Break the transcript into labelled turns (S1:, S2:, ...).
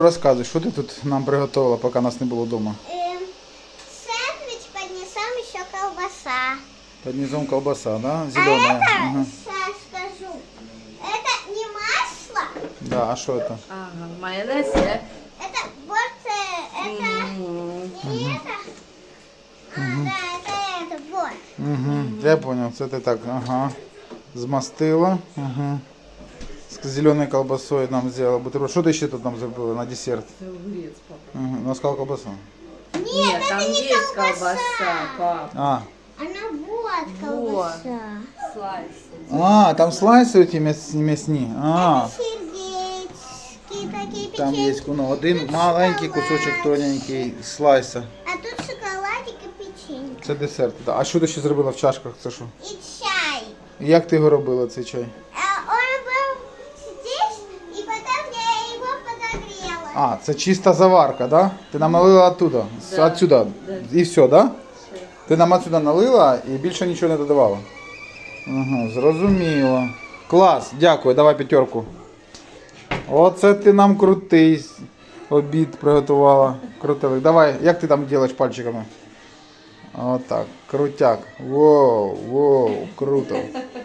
S1: Розказуй, що ти тут нам приготувала, поки нас не було вдома?
S2: Сэндвич под низом еще колбаса.
S1: Под низом колбаса, да?
S2: А
S1: Зеленая.
S2: это,
S1: Ага.
S2: сейчас скажу, это не масло,
S1: Да, а що це?
S3: Ага, майонез є.
S2: это порция, это не это. Да, это, вот.
S1: Угу. Я зрозумів, це ти так, ага. Змастила. Ага. З зеленою колбасою нам зробила бутерброд. Що ти ще тут нам зробила на десерт?
S3: Це огурець, папа.
S1: Ага. Ну, сказала колбаса.
S3: Нет, там є колбаса, пап.
S1: А.
S2: Она вот колбаса.
S3: Слайси.
S1: А, там слайси ті м'ясні. А.
S2: Сердечки такие
S1: Там є
S2: печеньки.
S1: ну, один маленький кусочок тоненький слайса.
S2: А тут шоколадик и печенье.
S1: Це десерт. Да. А що ти ще зробила в чашках? Це що?
S2: И чай.
S1: Як ти його робила, цей чай?
S2: Он был здесь, и потом я его подогрела.
S1: А, це чиста заварка, да? Ти нам налила оттуда,
S3: Да,
S1: отсюда.
S3: да.
S1: І все, да? Ти нам отсюда налила і більше нічого не додавала? Ага, зрозуміло. Клас, дякую, давай п'ятерку. Оце ти нам крутий обід приготувала. Крутелик. Давай, як ти там робиш пальчиками? Отак, крутяк. Воу, воу, круто.